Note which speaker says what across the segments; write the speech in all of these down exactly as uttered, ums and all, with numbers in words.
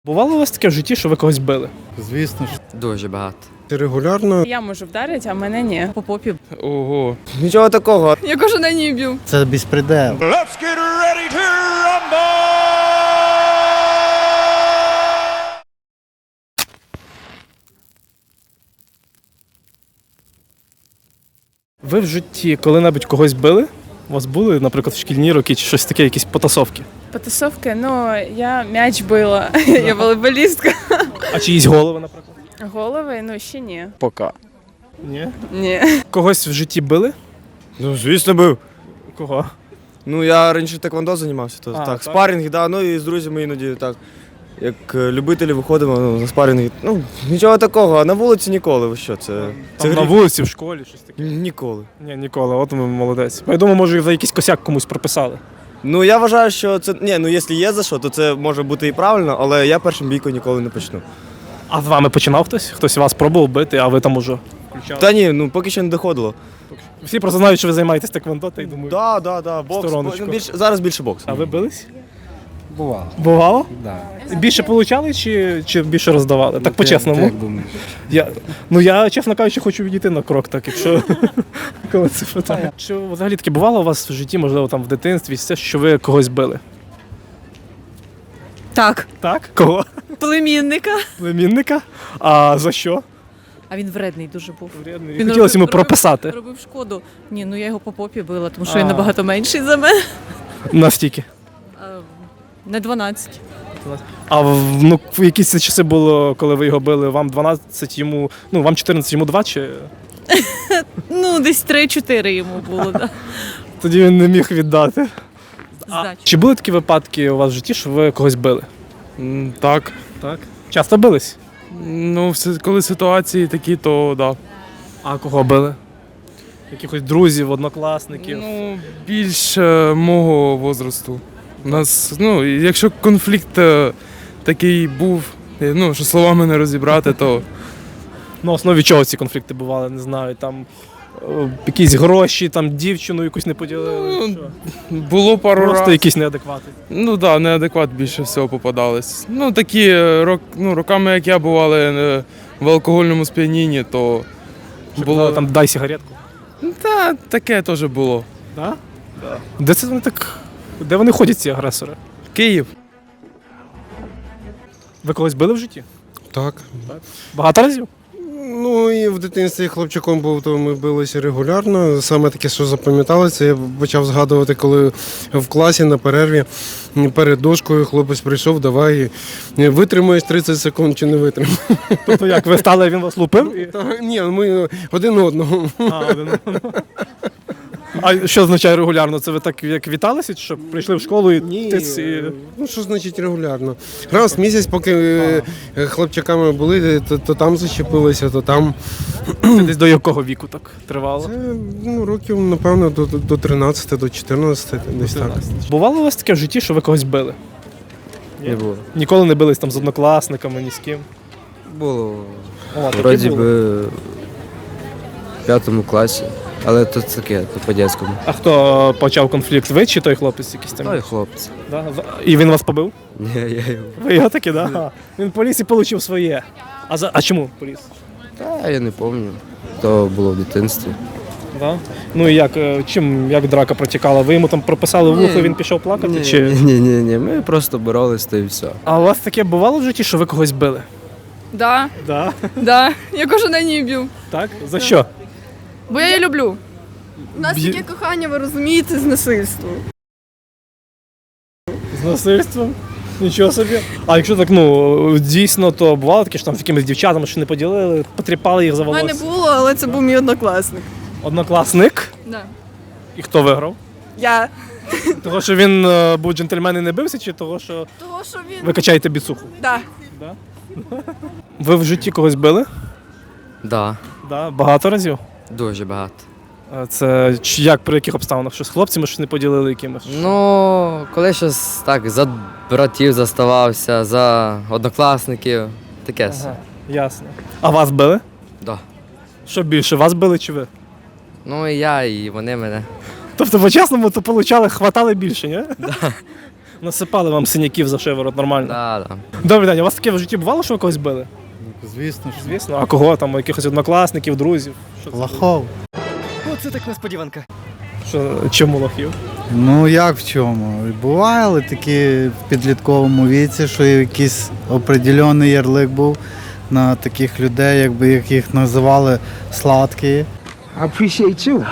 Speaker 1: Бувало у вас таке в житті, що ви когось били?
Speaker 2: Звісно ж.
Speaker 3: Дуже багато.
Speaker 2: Регулярно.
Speaker 4: Я можу вдарити, а мене ні. По попі.
Speaker 1: Ого.
Speaker 3: Нічого такого.
Speaker 4: Я кожен день її б'ю.
Speaker 2: Це безпредел.
Speaker 1: Ви в житті коли-небудь когось били? У вас були, наприклад, в шкільні роки чи щось таке, якісь потасовки?
Speaker 4: Потасовки, ну, я м'яч била. Я волейболістка.
Speaker 1: А чиїсь голови, наприклад?
Speaker 4: Голови, ну, ще ні.
Speaker 3: Пока.
Speaker 1: Ні.
Speaker 4: Ні.
Speaker 1: Когось в житті били?
Speaker 3: Ну, звісно, був.
Speaker 1: Кого?
Speaker 3: Ну, я раніше таквондо займався, то
Speaker 1: А,
Speaker 3: так,
Speaker 1: так?
Speaker 3: спарринг, да, ну і з друзями іноді так. Як е, любителі виходимо ну, на спарринги. Ну, нічого такого, а на вулиці ніколи. Ви що, це. Це
Speaker 1: Там на
Speaker 3: гріх.
Speaker 1: вулиці, в школі, щось таке?
Speaker 3: Ніколи.
Speaker 1: Ні, ніколи, от ви молодець. Я думаю, може, за якийсь косяк комусь прописали.
Speaker 3: Ну, я вважаю, що це. Ні, ну якщо є за що, то це може бути і правильно, але я першим бійку ніколи не почну.
Speaker 1: А з вами починав хтось? Хтось вас пробував бити, а ви там уже включали?
Speaker 3: Та ні, ну поки що не доходило.
Speaker 1: Всі просто знають, що ви займаєтесь таквондо, та й думаю.
Speaker 3: Да, да, да, бокс.
Speaker 1: Стороночку.
Speaker 3: Ну, більш, зараз більше бокс.
Speaker 1: А ви бились?
Speaker 2: Бувало.
Speaker 1: Бувало?
Speaker 2: Да.
Speaker 1: Більше получали чи, чи більше роздавали? Так по-чесному.
Speaker 2: Як думаєш?
Speaker 1: Я, ну я, чесно кажучи, хочу відійти на крок, так, якщо коли це питання. Чи взагалі таке бувало у вас в житті, можливо, там в дитинстві, все, що ви когось били?
Speaker 5: Так,
Speaker 1: Так? Кого?
Speaker 5: племінника.
Speaker 1: Племінника? А за що?
Speaker 5: А він вредний дуже був.
Speaker 1: Вредний.
Speaker 5: Він
Speaker 1: Хотілося йому
Speaker 5: робив-
Speaker 1: прописати.
Speaker 5: Робив шкоду. Ні, ну я його по попі била, тому що
Speaker 1: А.
Speaker 5: він набагато менший за мене.
Speaker 1: Настільки.
Speaker 5: А, Не дванадцять.
Speaker 1: А в, ну, в якісь це часи було, коли ви його били, вам дванадцять, йому, ну, вам чотирнадцять, йому два, чи
Speaker 5: Ну, десь три-чотири йому було, да.
Speaker 1: тоді він не міг віддати? А,
Speaker 5: Здачі.
Speaker 1: чи були такі випадки у вас в житті, що ви когось били?
Speaker 6: М, Так.
Speaker 1: Так. Часто бились?
Speaker 6: Ну, все- коли ситуації такі, то да.
Speaker 1: А кого били? Якихось друзів, однокласників?
Speaker 6: Ну, більш е, мого возрасту. У нас, ну, і якщо конфлікт е, такий був, е, ну, що словами не розібрати, то
Speaker 1: На основі чого ці конфлікти бували, не знаю, там е, якісь гроші, там дівчину якусь не поділили.
Speaker 6: Ну,
Speaker 1: що?
Speaker 6: було пару
Speaker 1: Просто
Speaker 6: разів.
Speaker 1: якісь неадеквати.
Speaker 6: Ну так, да, неадекват більше всього попадались. Ну, такі е, рок, ну, роками, як я бували е, в алкогольному сп'янінні, то
Speaker 1: Що
Speaker 6: було
Speaker 1: казали, там дай сигаретку.
Speaker 6: Та, таке теж було.
Speaker 1: Да? Да. Де це вони так? Де вони ходять, ці агресори?
Speaker 6: Київ.
Speaker 1: Ви когось били в житті?
Speaker 2: Так.
Speaker 1: Багато разів?
Speaker 2: Ну і в дитинстві хлопчиком був, то ми билися регулярно. Саме таке, що запам'яталося, я почав згадувати, коли в класі на перерві перед дошкою хлопець прийшов, давай витримаєш тридцять секунд чи не витримаєш.
Speaker 1: Тобто як, ви стали, він вас лупив? І...
Speaker 2: Та, ні, ми один одного.
Speaker 1: А, один одного. А що означає регулярно? Це ви так як віталися, чи що прийшли в школу і
Speaker 2: Ні,
Speaker 1: тиц, і...
Speaker 2: ну що значить регулярно? Раз в місяць, поки е, хлопчаками були, то, то там зачепилися, то там.
Speaker 1: Це десь до якого віку так тривало?
Speaker 2: Це ну, років, напевно, до, до до тринадцяти, до чотирнадцяти, десь так.
Speaker 1: Бувало у вас таке в житті, що ви когось били?
Speaker 3: Не було.
Speaker 1: Ніколи не бились там з однокласниками, ні з ким?
Speaker 3: Було.
Speaker 1: О, таке
Speaker 3: Вроді
Speaker 1: було.
Speaker 3: би в п'ятому класі. Але то таке, то по-дєцькому.
Speaker 1: А хто почав конфлікт? Ви чи той хлопець якийсь там?
Speaker 3: Ой, хлопці.
Speaker 1: Да? І він вас побив?
Speaker 3: Ні, я його.
Speaker 1: Ви його таки, да? Ага. Він поліз і отримав своє. А, за... а чому поліз?
Speaker 3: Та я не пам'ятаю. То було в дитинстві.
Speaker 1: Да? Ну і як, е, чим, як драка протікала? Ви йому там прописали в вухо,
Speaker 3: Ні.
Speaker 1: він пішов плакати?
Speaker 3: Ні,
Speaker 1: чи...
Speaker 3: ні, ні, ні, ми просто боролись, то і все.
Speaker 1: А у вас таке бувало в житті, що ви когось били?
Speaker 4: Да,
Speaker 1: Да.
Speaker 4: да. Я кожен день її б'ю.
Speaker 1: Так? За що?
Speaker 4: Бо я її люблю. У нас
Speaker 1: Б'є-
Speaker 4: таке кохання, ви розумієте, з насильством.
Speaker 1: З насильством? Нічого собі. А якщо так, ну, дійсно, то бувало таке, що там з якимись дівчатами що не поділили, потріпали їх за
Speaker 4: У мене
Speaker 1: волосся?
Speaker 4: було, але це був мій однокласник.
Speaker 1: Однокласник?
Speaker 4: Да.
Speaker 1: І хто виграв?
Speaker 4: Я.
Speaker 1: Того, що він е, був джентльмен і не бився, чи того, що
Speaker 4: Того, що він.
Speaker 1: ви качаєте біцуху?
Speaker 4: Да.
Speaker 1: Ви в житті когось били?
Speaker 3: Да,
Speaker 1: Да, багато разів.
Speaker 3: дуже багато.
Speaker 1: А це чи як, при яких обставинах? Що з хлопцями щось не поділили якимось?
Speaker 3: Ну, коли щось так, за братів заставався, за однокласників, таке все.
Speaker 1: Ага, ясно. А вас били?
Speaker 3: Да.
Speaker 1: Що більше, вас били чи ви?
Speaker 3: Ну і я, і вони мене.
Speaker 1: Тобто, по-чесному, то получали, хватали більше, ні? Да. Насипали вам синяків за шиворот, нормально.
Speaker 7: Да, да.
Speaker 1: Добрий день, у вас таке в житті бувало, що ви когось били?
Speaker 8: Звісно ж.
Speaker 1: Звісно. А кого там? Якихось однокласників, друзів? Що це?
Speaker 8: Лохов.
Speaker 7: Оце так несподіванка.
Speaker 1: Що, чому лохів?
Speaker 8: Ну як в чому? Бували такі в підлітковому віці, що якийсь определений ярлик був на таких людей, якби як їх називали сладкі.
Speaker 9: Appreciate you.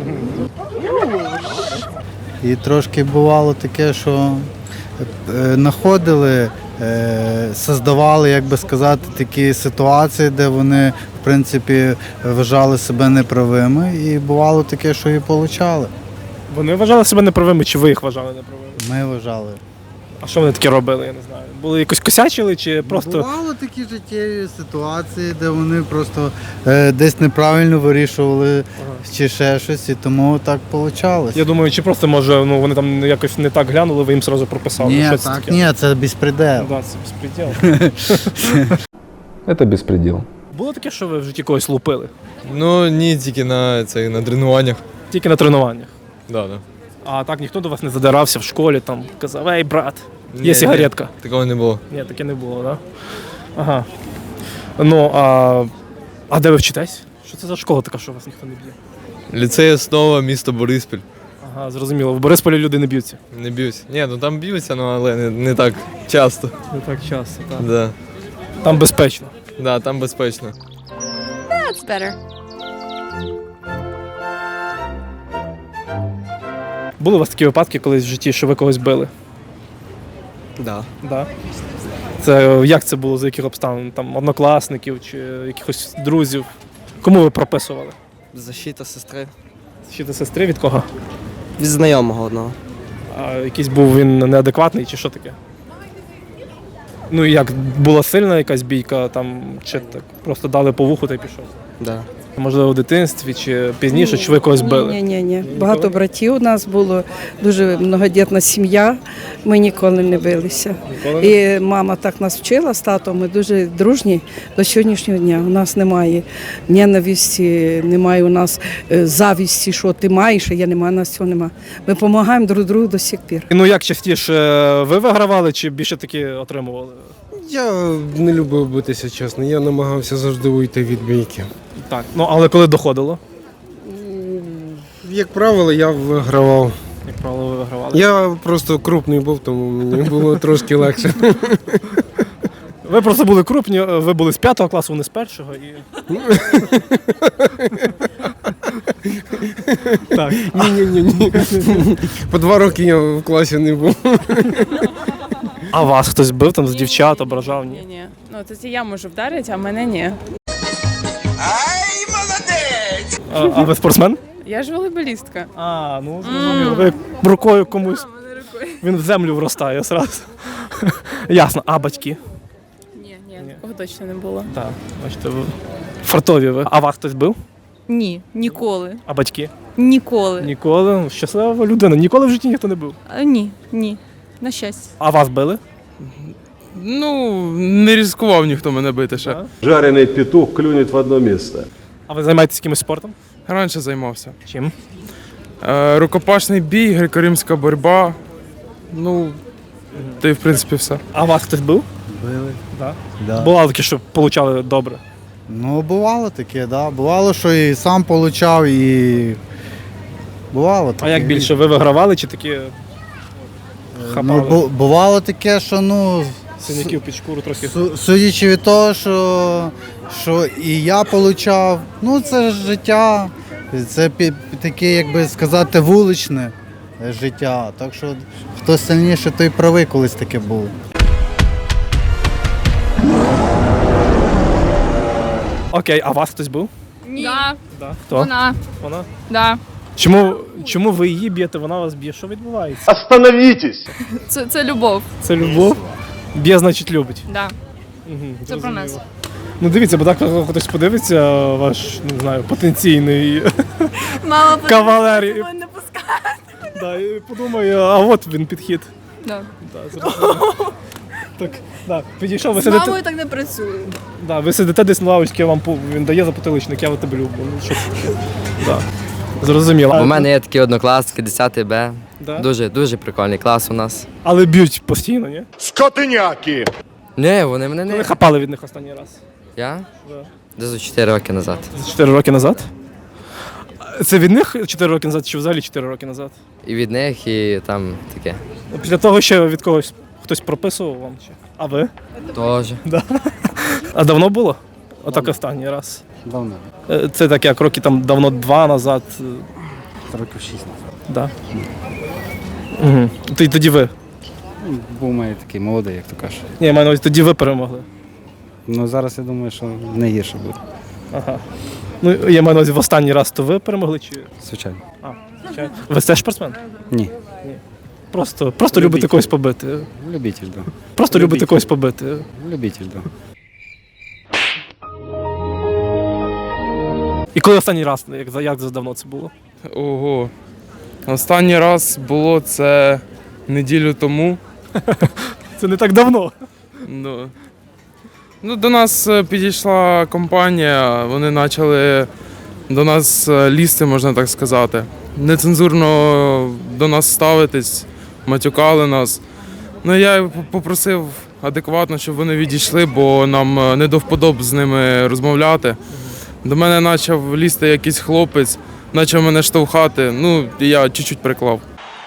Speaker 8: І трошки бувало таке, що е, знаходили, е, создавали, як би сказати, такі ситуації, де вони, в принципі, вважали себе неправими. І бувало таке, що і получали.
Speaker 1: Вони вважали себе неправими, чи ви їх вважали неправими?
Speaker 8: Ми вважали.
Speaker 1: А що вони таке робили, я не знаю. Були якось косячили, чи просто.
Speaker 8: Бувало такі життєві ситуації, де вони просто е, десь неправильно вирішували
Speaker 1: Ага.
Speaker 8: чи ще щось, і тому так вийшло.
Speaker 1: Я думаю, чи просто може ну вони там якось не так глянули, ви їм одразу прописали.
Speaker 8: Ні,
Speaker 1: що це
Speaker 8: так,
Speaker 1: таке?
Speaker 8: ні, це безпредел.
Speaker 1: Ну, да, це безпреділ.
Speaker 10: Это беспредел.
Speaker 1: Було таке, що ви в житті когось лупили?
Speaker 3: Ну ні, тільки на це на тренуваннях.
Speaker 1: Тільки на тренуваннях.
Speaker 3: Да, да.
Speaker 1: А так ніхто до вас не задирався в школі, там казав, ей, брат,
Speaker 3: Ні,
Speaker 1: є сигаретка.
Speaker 3: Ні, такого не було.
Speaker 1: Ні, таке не було, так? Да? Ага. Ну, а, а де ви вчитесь? Що це за школа така, що вас ніхто не б'є?
Speaker 3: Ліцей основа, місто Бориспіль.
Speaker 1: Ага, зрозуміло. В Борисполі люди не б'ються.
Speaker 3: Не б'юсь. Ні, ну там б'ються, ну але не, не так часто.
Speaker 1: Не так часто, так.
Speaker 3: Да.
Speaker 1: Там безпечно.
Speaker 3: Да, там безпечно.
Speaker 4: That's better.
Speaker 1: Були у вас такі випадки колись в житті, що ви когось били?
Speaker 7: Да.
Speaker 1: Да. Це як це було, за яких обставин? Там однокласників чи якихось друзів? Кому ви прописували?
Speaker 7: Защита сестри.
Speaker 1: Чи ти сестри від кого?
Speaker 7: Від знайомого одного.
Speaker 1: А якийсь був він неадекватний чи що таке? Ну і як, була сильна якась бійка, там, чи так просто дали по вуху та й пішов?
Speaker 7: Да.
Speaker 1: Можливо, в дитинстві чи пізніше, чи ви когось били?
Speaker 11: Ні, ні, ні. Багато братів у нас було, дуже многодітна сім'я. Ми ніколи не билися.
Speaker 1: Ніколи?
Speaker 11: І мама так нас вчила з татом. Ми дуже дружні до сьогоднішнього дня. У нас немає ненависті, немає у нас е, завісті, що ти маєш, а я не маю, у нас цього немає. Ми допомагаємо друг другу до сих пір.
Speaker 1: Ну як частіше ви вигравали чи більше таки отримували?
Speaker 2: Я не любив битися, чесно. Я намагався завжди уйти від бійки.
Speaker 1: Так. Ну але коли доходило,
Speaker 2: Як правило, я вигравав.
Speaker 1: як правило, ви вигравали?
Speaker 2: Я просто крупний був, тому мені було трошки легше.
Speaker 1: Ви просто були крупні, ви були з п'ятого класу, вони з першого і. Так.
Speaker 2: Ні-ні-ні. По два роки я в класі не був.
Speaker 1: А вас хтось бив там з дівчат, ображав?
Speaker 4: Ні,
Speaker 1: Ні.
Speaker 4: ні. Ну, тоді я можу вдарити, а мене ні.
Speaker 1: А, а ви спортсмен?
Speaker 4: Я ж волейболістка.
Speaker 1: А, ну зрозуміло. Ви рукою комусь.
Speaker 4: Мене рукою.
Speaker 1: Він в землю вростає зразу. Ясно. А батьки?
Speaker 4: Ні, ні, такого точно не було.
Speaker 1: Так, бачите, ви фартові ви. А вас хтось бив?
Speaker 5: Ні, ніколи.
Speaker 1: А батьки?
Speaker 5: Ніколи.
Speaker 1: Ніколи. Щаслива людина. Ніколи в житті ніхто не бив.
Speaker 5: А, ні, ні. На щастя.
Speaker 1: А вас били?
Speaker 6: Ну, не ризикував ніхто мене бити ще.
Speaker 1: Так.
Speaker 10: Жареный петух клюнет в одно место.
Speaker 1: А ви займаєтесь якимось спортом?
Speaker 6: Раніше займався.
Speaker 1: Чим?
Speaker 6: Е, рукопашний бій, греко-римська боротьба. Ну, та й в принципі все.
Speaker 1: А вас хтось бив?
Speaker 8: Били.
Speaker 1: Так.
Speaker 8: Да.
Speaker 1: Бувало таке, що получали добре.
Speaker 8: Ну, бувало таке, да. Бувало, що і сам получав, і бувало таке.
Speaker 1: А як більше? Ви вигравали чи такі
Speaker 8: Ну,
Speaker 1: хапали?
Speaker 8: бу- бувало таке, що ну.
Speaker 1: Синяків під шкуру трохи?
Speaker 8: Су- Судячи від того, що, що і я получав, ну це ж життя, це пі- таке, як би сказати, вуличне життя. Так що хто сильніше, той правий колись таке було.
Speaker 1: Окей, а вас хтось був?
Speaker 5: Ні.
Speaker 4: Да,
Speaker 1: Да. Хто?
Speaker 5: Вона.
Speaker 1: Вона?
Speaker 5: Да.
Speaker 1: Чому, чому ви її б'єте, вона вас б'є? Що відбувається?
Speaker 10: Остановитесь!
Speaker 5: Це, це любов.
Speaker 1: Це любов? Б'є, значить, любить.
Speaker 5: Да.
Speaker 1: Угу,
Speaker 5: Це про нас.
Speaker 1: Ну дивіться, бо так хтось подивиться, ваш, не знаю, потенційний
Speaker 5: Мама
Speaker 1: кавалер. І,
Speaker 5: не пускає.
Speaker 1: да, і подумає, а от він підхід.
Speaker 5: Да.
Speaker 1: Да, зрозуміло. Так, да, підійшов, ви сидите,
Speaker 5: так не працює.
Speaker 1: да, ви сидите десь на лавочці, вам пу- він дає за потиличник, я от тебе люблю. Ну, що це таке? Да. Зрозуміло.
Speaker 7: У мене є такі однокласники, десятий Б.
Speaker 1: Да?
Speaker 7: Дуже, дуже прикольний клас у нас.
Speaker 1: Але б'ють постійно, ні?
Speaker 10: Скотыняки!
Speaker 7: Ні, вони мене
Speaker 1: Коли
Speaker 7: не...
Speaker 1: хапали від них останній раз?
Speaker 7: Я?
Speaker 1: Да.
Speaker 7: Десь чотири роки назад.
Speaker 1: За чотири роки назад? Це від них чотири роки назад чи взагалі чотири роки назад?
Speaker 7: І від них, і там таке.
Speaker 1: Після того ще від когось хтось прописував вам? Чи? А ви?
Speaker 7: Тоже.
Speaker 1: А давно було? Отак останній раз.
Speaker 8: Давно,
Speaker 1: Е, Це так як роки там давно два назад. е,
Speaker 8: років шість.
Speaker 1: Да. Угу. Тоді ви.
Speaker 8: Був має такий молодий, як то кажеш.
Speaker 1: Ні, я маю на увазі, тоді ви перемогли.
Speaker 8: Ну зараз я думаю, що не гірше буде.
Speaker 1: Ага. Ну, я маю на увазі, в останній раз то ви перемогли чи.
Speaker 8: Звичайно.
Speaker 1: А, звичайно. Ви теж спортсмен?
Speaker 8: Ні.
Speaker 1: Просто, просто любите когось побити.
Speaker 8: Любитель, да.
Speaker 1: Просто любите когось побити.
Speaker 8: Любитель, да.
Speaker 1: І коли останній раз, як, за- як давно це було?
Speaker 6: Ого. Останній раз було це неділю тому.
Speaker 1: Це не так давно.
Speaker 6: Ну, ну, до нас е, підійшла компанія, вони почали до нас е, лізти, можна так сказати. Нецензурно до нас ставитись, матюкали нас. Ну, я п- попросив адекватно, щоб вони відійшли, бо нам е, не до вподоб з ними розмовляти. До мене почав лізти якийсь хлопець, почав мене штовхати, ну, і я чуть-чуть приклав.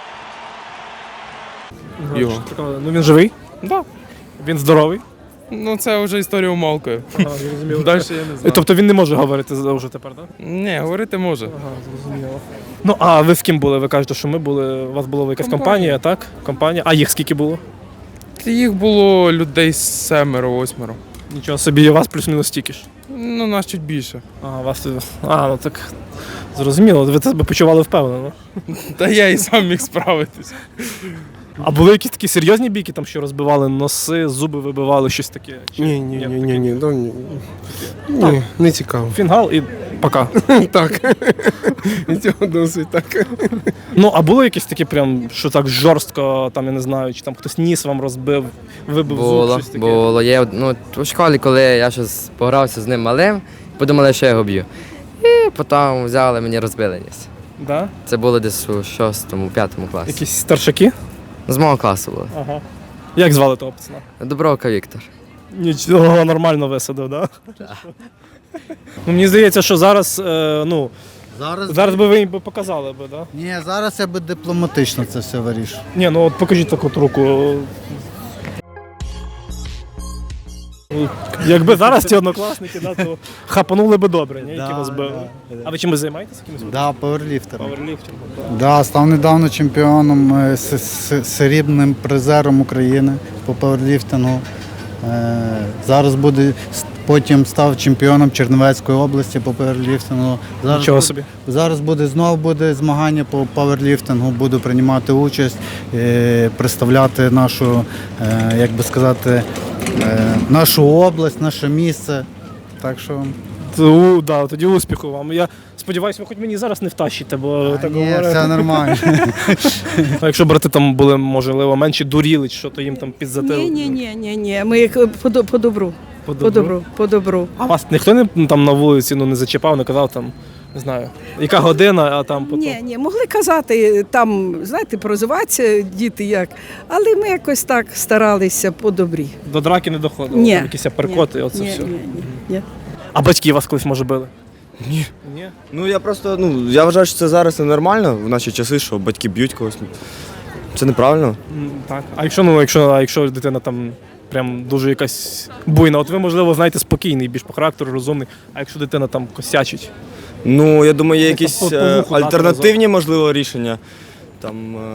Speaker 6: Його.
Speaker 1: Ну він живий?
Speaker 6: Да.
Speaker 1: Він здоровий?
Speaker 6: Ну, це вже історія умалкою.
Speaker 1: Ага, зрозуміло.
Speaker 6: Далі я не знаю.
Speaker 1: Тобто він не може говорити вже тепер, так?
Speaker 6: Ні, говорити може.
Speaker 1: Ага, зрозуміло. Ну, а ви з ким були? Ви кажете, що ми були, у вас була якась компанія,
Speaker 6: Компанія.
Speaker 1: так? Компанія. А їх скільки було?
Speaker 6: Їх було людей семеро-восьмеро.
Speaker 1: Нічого собі, і у вас плюс-мінус стільки ж.
Speaker 6: Ну, нас чуть більше.
Speaker 1: А, у вас. А, ну так. Зрозуміло, ви себе почували впевнено.
Speaker 6: Та я і сам міг справитись.
Speaker 1: А були якісь такі серйозні бійки, там що розбивали носи, зуби вибивали, щось таке? Чи
Speaker 2: Ні, ні, ні, ні,
Speaker 1: таке?
Speaker 2: ні, да, ні. Ні, не цікаво.
Speaker 1: Фінгал і пока.
Speaker 2: Так. І цього досить так.
Speaker 1: Ну, а було якісь такі прям, що так жорстко, там, я не знаю, чи там хтось ніс вам розбив, вибив зуб,
Speaker 7: Було,
Speaker 1: щось таке?
Speaker 7: було. Є, ну, у школі, коли я щось погрався з ним малим, подумали, що я його б'ю. І потім взяли, мені розбили ніс.
Speaker 1: Да?
Speaker 7: Це було десь у шостому, п'ятому класі.
Speaker 1: Якісь старшаки?
Speaker 7: З мого класу було.
Speaker 1: Ага. Як звали того пацана?
Speaker 7: Добровка Віктор.
Speaker 1: Нічого, нормально висадив, да? Ну, мені здається, що зараз, е, ну,
Speaker 8: Зараз,
Speaker 1: зараз би ви їм би показали би, да?
Speaker 8: Ні, зараз я би дипломатично це все вирішу.
Speaker 1: Ні, ну от покажіть таку от руку. Ну, якби зараз ці однокласники, да, то хапанули би добре, ні, які
Speaker 8: Да,
Speaker 1: вас били.
Speaker 8: да, да.
Speaker 1: А ви чимось займаєтесь? Якимось
Speaker 8: Да, пауерліфтер.
Speaker 1: пауерліфтингом?
Speaker 8: Да, став недавно чемпіоном, е, с- с- срібним призером України по пауерліфтингу. Е, Зараз буде, с- потім став чемпіоном Чернівецької області по пауерліфтингу. Зараз
Speaker 1: Нічого
Speaker 8: буде-
Speaker 1: собі.
Speaker 8: Зараз буде знову буде змагання по пауерліфтингу, буду приймати участь, е, представляти нашу, е, як би сказати, е, нашу область, наше місце. Так що
Speaker 1: Ту, да, тоді успіху вам. Я сподіваюся, ви хоч мені зараз не втащите, бо так
Speaker 8: ні,
Speaker 1: говорите.
Speaker 8: все нормально.
Speaker 1: А якщо брати там були, можливо, менші дуріли, що то їм там підзатили.
Speaker 11: Ні, ні, ні, ні, ні. Ми як по, до- по добру.
Speaker 1: По
Speaker 11: По добру, по добру.
Speaker 1: А вас ніхто не ну, там на вулиці ну, не зачіпав, не казав там, не знаю, яка година, а там потім.
Speaker 11: Ні, ні, могли казати, там, знаєте, прозиватися діти як, але ми якось так старалися по добрі.
Speaker 1: До драки не доходило.
Speaker 11: Ні.
Speaker 1: Там якісь перкоти, оце
Speaker 11: ні,
Speaker 1: все.
Speaker 11: ні, ні, ні.
Speaker 1: А батьки вас колись може били?
Speaker 3: Ні.
Speaker 1: Ні.
Speaker 3: Ну я просто, ну я вважаю, що це зараз ненормально в наші часи, що батьки б'ють когось. Це неправильно.
Speaker 1: М, Так. А якщо ну, якщо, а якщо дитина там прям дуже якась буйна, от ви, можливо, знаєте, спокійний, більш по характеру, розумний, а якщо дитина там косячить?
Speaker 3: Ну, я думаю, є якісь
Speaker 1: по- по
Speaker 3: е,
Speaker 1: вуху дати
Speaker 3: альтернативні, можливо, рішення. Там е,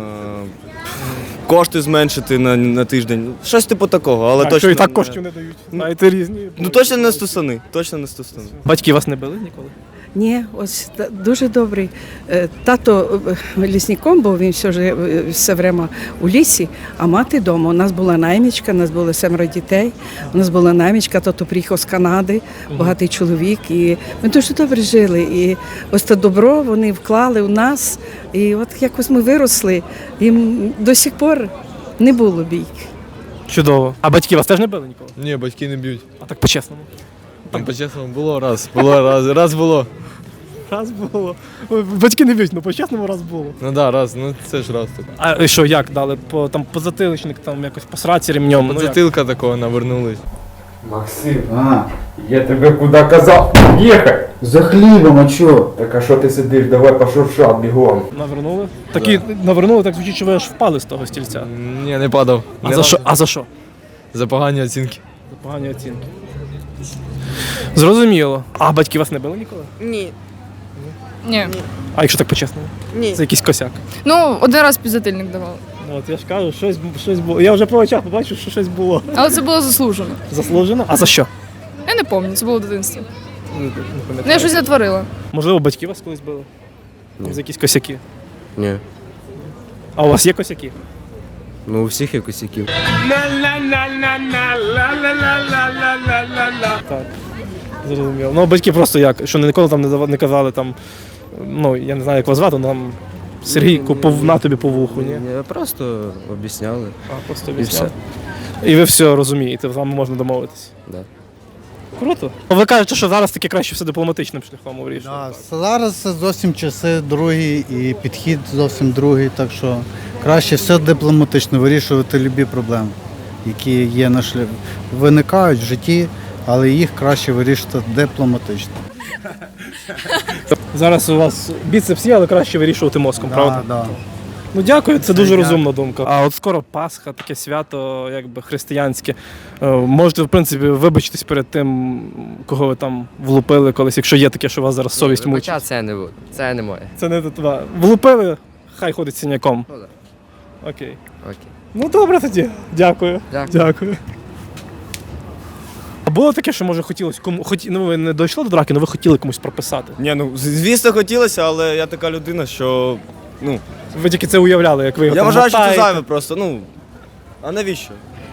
Speaker 3: кошти зменшити на, на тиждень. Щось типу такого, але
Speaker 1: а
Speaker 3: точно.
Speaker 1: якщо і так
Speaker 3: не-
Speaker 1: коштів не дають? Знаєте, різні.
Speaker 3: Ну точно не стосани. Точно не стосани.
Speaker 1: Батьки вас не били ніколи?
Speaker 11: Ні, ось та- дуже добрий. Е, Тато е, лісником був, він все, ж, е, все время у лісі, а мати вдома. У нас була наймічка, у нас було семеро дітей, у нас була наймічка, тато приїхав з Канади, багатий чоловік, і ми дуже добре жили. І ось те добро вони вклали у нас, і от якось ми виросли, і м, до сих пор не було бійки.
Speaker 1: Чудово. А батьки вас теж не били ніколи?
Speaker 9: Ні, батьки не б'ють.
Speaker 1: А так по-чесному.
Speaker 9: Там по-чесному було раз. Було раз. Раз було.
Speaker 1: Раз було. Батьки не б'ють, ну по-чесному раз було.
Speaker 3: Ну да, раз, ну це ж раз так.
Speaker 1: А і що, як дали? По, там, позатиличник, там якось по сраці ремнем? Ну, як?
Speaker 3: Затилка такого навернулись.
Speaker 9: Максим, а, я тебе куди казав? Їхай! За хлібом, а чо? Так а що ти сидиш? Давай пошуршав бігом.
Speaker 1: Навернули? Такі навернули, так звучить, що ви аж впали з того стільця.
Speaker 3: Ні, не падав.
Speaker 1: А за що? А за що?
Speaker 3: За погані оцінки.
Speaker 1: За погані оцінки. Зрозуміло. А батьки вас не били ніколи?
Speaker 4: Ні.
Speaker 5: Ні.
Speaker 1: А якщо так по-чесному?
Speaker 4: Ні.
Speaker 1: Це якийсь косяк.
Speaker 5: Ну, один раз підзатильник давали.
Speaker 1: Ну, от я ж кажу, щось, щось було. Я вже по очах побачив, що щось було.
Speaker 5: Але це було заслужено.
Speaker 1: Заслужено? А за що?
Speaker 5: Я не пам'ятаю, це було в дитинстві.
Speaker 1: Не, не
Speaker 5: Ну, я
Speaker 1: пам'ятаю.
Speaker 5: щось натворила.
Speaker 1: Можливо, батьки вас колись били? За якісь косяки.
Speaker 3: Ні.
Speaker 1: А у вас є косяки?
Speaker 3: Ну у всіх є косяків.
Speaker 1: Так. Зрозуміло. Ну, батьки просто як, що ніколи там не, дава- не казали там, ну, я не знаю, як вас звати, але там Сергійку, пов, на тобі по вуху, ні?
Speaker 3: Ні, просто об'ясняли.
Speaker 1: А, просто
Speaker 3: І
Speaker 1: обіцяли. І ви все розумієте, з вами можна домовитися.
Speaker 3: Да.
Speaker 1: Круто. Ви кажете, що зараз таки краще все дипломатичним шляхом вирішує.
Speaker 8: Да, зараз це зовсім часи другі і підхід зовсім другий, так що краще все дипломатично вирішувати любі проблеми, які є на шляху. Виникають в житті, але їх краще вирішити дипломатично.
Speaker 1: Зараз у вас біцепс є, але краще вирішувати мозком, правда?
Speaker 8: Да, да.
Speaker 1: Ну дякую, це дуже
Speaker 8: я-
Speaker 1: розумна думка. А от скоро Пасха, таке свято, якби християнське. Е, Можете, в принципі, вибачитись перед тим, кого ви там влупили колись, якщо є таке, що вас зараз совість
Speaker 7: Хоча
Speaker 1: мучить.
Speaker 7: це не буде. Це не моє.
Speaker 1: Це не татва. Влупили, хай ходить синяком.
Speaker 7: Ну так.
Speaker 1: Окей.
Speaker 7: Окей.
Speaker 1: Ну добре тоді. Дякую.
Speaker 7: Дякую.
Speaker 1: Дякую. А було таке, що може хотілося кому хоті... ну ви не дійшли до драки, але ви хотіли комусь прописати.
Speaker 3: Ні, ну звісно хотілося, але я така людина, що. Ну,
Speaker 1: Ви тільки це уявляли, як ви його
Speaker 3: я
Speaker 1: там
Speaker 3: вважаю, що це
Speaker 1: мотаєте.
Speaker 3: зайве просто, ну. А навіщо?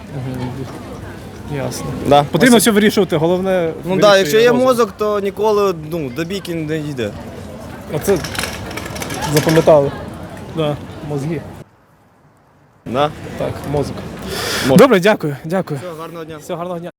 Speaker 1: Ясно.
Speaker 3: Да.
Speaker 1: Потрібно все вирішувати, головне.
Speaker 3: Ну так,
Speaker 1: вирішує
Speaker 3: да, якщо є
Speaker 1: розум.
Speaker 3: мозок, то ніколи ну, до бійки не йде.
Speaker 1: Оце запам'ятали. Да, мозги.
Speaker 3: Да?
Speaker 1: Так, мозок.
Speaker 3: Мозок.
Speaker 1: Добре, дякую, дякую.
Speaker 3: Все, гарного дня.
Speaker 1: Всього гарного дня.